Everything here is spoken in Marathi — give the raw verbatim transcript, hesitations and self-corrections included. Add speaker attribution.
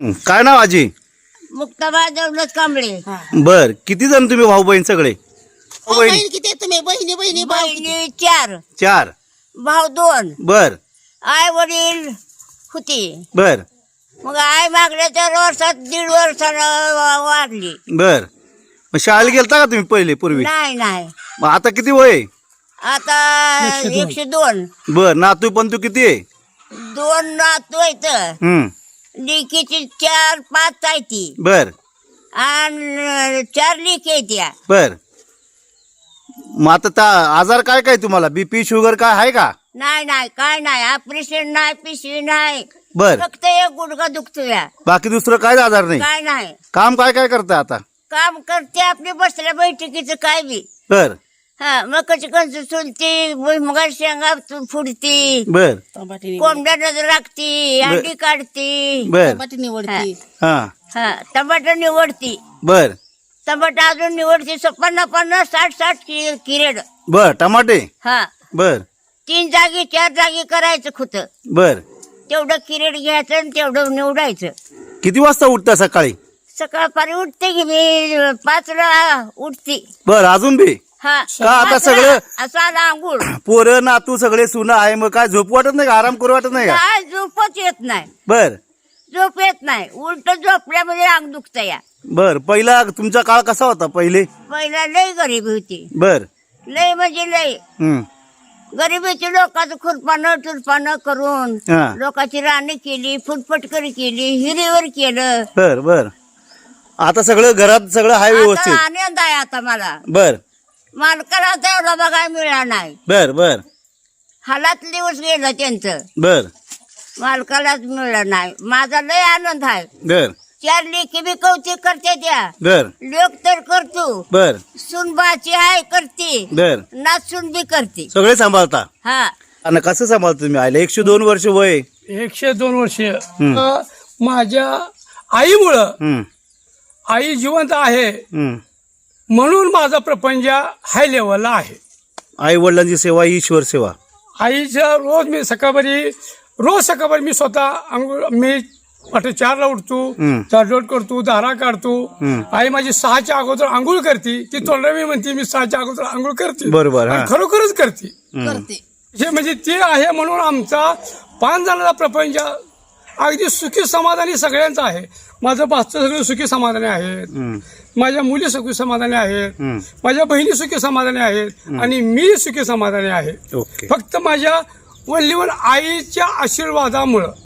Speaker 1: हं, काय नाव आजी?
Speaker 2: मुक्ताबाई दौलत कांबळे.
Speaker 1: बर, किती जण तुम्ही भाऊ बहीण सगळे? भाऊ बहीण
Speaker 3: बहीण किती आहे तुम्ही? बहिणी बहिणी भाऊ किती?
Speaker 2: बहिणी चार,
Speaker 1: चार.
Speaker 2: भाऊ दोन.
Speaker 1: बर
Speaker 2: आई वडील होती.
Speaker 1: बर
Speaker 2: मग आई मागल्या चार वर्षात दीड वर्षानं वा- वाढली.
Speaker 1: बर मग शाळेला गेलता का तुम्ही पहिले पूर्वी?
Speaker 2: नाही नाही
Speaker 1: मग आता किती वय आहे?
Speaker 2: आता एकशे दोन.
Speaker 1: बर, नातू पण तू किती आहे?
Speaker 2: दोन नातू आहेत.
Speaker 1: हम्म
Speaker 2: लिकीची चार पाच आहे ती
Speaker 1: बर
Speaker 2: आणि चार लिकी आहे त्या.
Speaker 1: बर मग आता ता- आजार काय काय तुम्हाला? बीपी शुगर काय आहे का?
Speaker 2: नाही नाही काय नाही, ऑपरेशन नाही, पिशवी नाही,
Speaker 1: बर,
Speaker 2: फक्त एक गुडघा दुखतोया.
Speaker 1: बाकी दुसरं काय आजार नाही?
Speaker 2: काय नाही.
Speaker 1: काम काय काय करता आता?
Speaker 2: काम करते आपली बसल्या बैठकीचं काय बी.
Speaker 1: बर
Speaker 2: हा मकाची कणस चुलती, भुईमुगा शेंगा तु- फुडती,
Speaker 1: बर
Speaker 3: टमाटे निवड-
Speaker 2: कोंबड्या नजर लागती, अंडी काढती.
Speaker 1: बर
Speaker 3: टमाटे निवडती.
Speaker 1: हा
Speaker 2: हा टमाटर निवडती,
Speaker 1: बर
Speaker 2: टमाटर अजून निवडती. स- पन्नास पन्नास साठ साठ कि- किरेड.
Speaker 1: बर टमाटे.
Speaker 2: हा
Speaker 1: बर
Speaker 2: तीन जागी चार जागी करायचं खुत.
Speaker 1: बर
Speaker 2: तेवढं किरेड घ्यायचं आणि तेवढं निवडायचं.
Speaker 1: किती वाजता उठता सकाळी?
Speaker 2: सकाळपारी उठते की मी पाचला उठते.
Speaker 1: बर, अजून बी
Speaker 2: हा
Speaker 1: का आता सगळं
Speaker 2: असं आला आंघोळ.
Speaker 1: पोरं नातू सगळे सुना आहे, मग काय झोप वाटत नाही का? आराम करू वाटत नाही का?
Speaker 2: काय झोपच येत नाही,
Speaker 1: बर
Speaker 2: झोप येत नाही. उलट झोपल्यामध्ये अंग दुखत या.
Speaker 1: बर पहिला तुमचा काळ कसा होता पहिले?
Speaker 2: पहिला लय गरीबी होती,
Speaker 1: बर
Speaker 2: लय म्हणजे लय
Speaker 1: हम्म
Speaker 2: गरिबीची. लोकांचं खुरपानं तुरपानं करून
Speaker 1: हा.
Speaker 2: लोकांची राणी केली, फुटफटकरी केली, हिरीवर केलं.
Speaker 1: बर बर आता सगळं घरात सगळं आहे
Speaker 2: आता
Speaker 1: व्यवस्थित?
Speaker 2: आनंद आहे आता मला.
Speaker 1: बर
Speaker 2: मालकाला तेवढा बघायला मिळाला नाही.
Speaker 1: बर बर
Speaker 2: हालात दिवस गेलं त्यांचं,
Speaker 1: बर
Speaker 2: मालकालाच मिळालं नाही. माझा लय आनंद आहे.
Speaker 1: बर
Speaker 2: चार लेखी बी कौतिक करते त्या,
Speaker 1: बर
Speaker 2: लोक तर करतो.
Speaker 1: बर
Speaker 2: सुनबाची आहे करते,
Speaker 1: बर
Speaker 2: नाचून बी करते.
Speaker 1: सगळे सांभाळता?
Speaker 2: हा
Speaker 1: आणि कसं सांभाळता तुम्ही आयला? एकशे दोन वर्ष वय.
Speaker 4: एकशे दोन वर्ष
Speaker 1: हम्म.
Speaker 4: अ, माझ्या आईमुळं
Speaker 1: हम्म
Speaker 4: आई जिवंत आहे
Speaker 1: हम्म
Speaker 4: म्हणून माझा प्रपंच हाय लेवलला आहे.
Speaker 1: आई वडिलांची सेवा ही ईश्वर सेवा.
Speaker 4: आईचं रोज मी सकाळी रोज सकाळी मी स्वतः अंघोळ मी पहाटे चारला उठतो,
Speaker 1: हम्म.
Speaker 4: चारलोट करतो, दारा काढतो.
Speaker 1: हम्म.
Speaker 4: आई माझी सहाच्या अगोदर आंघोळ करते. ती तोंडावी म्हणते मी सहाच्या अगोदर आंघोळ करते.
Speaker 1: बरोबर, हा.
Speaker 4: आणि खरोखरच करते.
Speaker 3: करते.
Speaker 4: हे म्हणजे ते आहे म्हणून आमचा पाच जणांचा प्रपंच अगदी सुखी समाधानी सगळ्यांचा आहे. माझं भाचं सगळं सुखी समाधानी आहेत,
Speaker 1: हम्म.
Speaker 4: माझ्या मुली सुखी समाधानी आहेत,
Speaker 1: हम्म.
Speaker 4: माझ्या बहिणी सुखी समाधानी आहेत आणि मी सुखी समाधानी आहे.
Speaker 1: ओके.
Speaker 4: फक्त माझ्या वल्लीवर आईच्या आशीर्वादामुळं